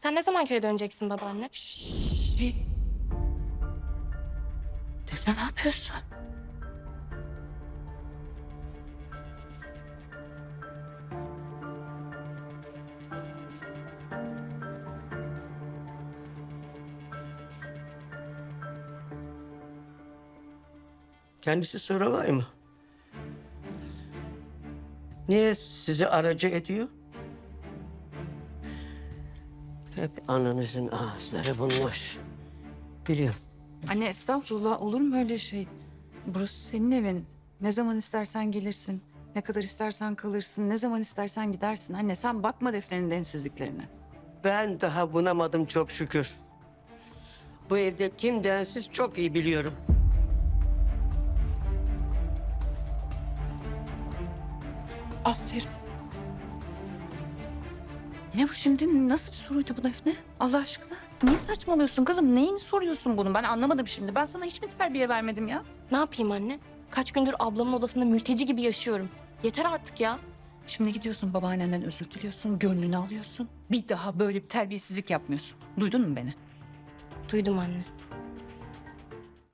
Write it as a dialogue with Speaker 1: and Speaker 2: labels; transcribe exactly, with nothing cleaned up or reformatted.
Speaker 1: Sen ne zaman köye döneceksin babaanne?
Speaker 2: Şey... Defne ne yapıyorsun?
Speaker 3: Kendisi soramay mı? Niye sizi aracı ediyor? Hep ananızın ağızları bunlar. Biliyorum.
Speaker 2: Anne estağfurullah, olur mu öyle şey? Burası senin evin. Ne zaman istersen gelirsin. Ne kadar istersen kalırsın. Ne zaman istersen gidersin. Anne sen bakma Defne'nin densizliklerine.
Speaker 3: Ben daha bunamadım çok şükür. Bu evde kim densiz çok iyi biliyorum.
Speaker 2: Aferin. Ne bu şimdi? Nasıl bir soruydu bu Defne? Allah aşkına. Niye saçmalıyorsun kızım? Neyini soruyorsun bunu? Ben anlamadım şimdi. Ben sana hiç mi terbiye vermedim ya?
Speaker 1: Ne yapayım anne? Kaç gündür ablamın odasında mülteci gibi yaşıyorum. Yeter artık ya.
Speaker 2: Şimdi gidiyorsun babaannenden özür diliyorsun, gönlünü alıyorsun. Bir daha böyle bir terbiyesizlik yapmıyorsun. Duydun mu beni?
Speaker 1: Duydum anne.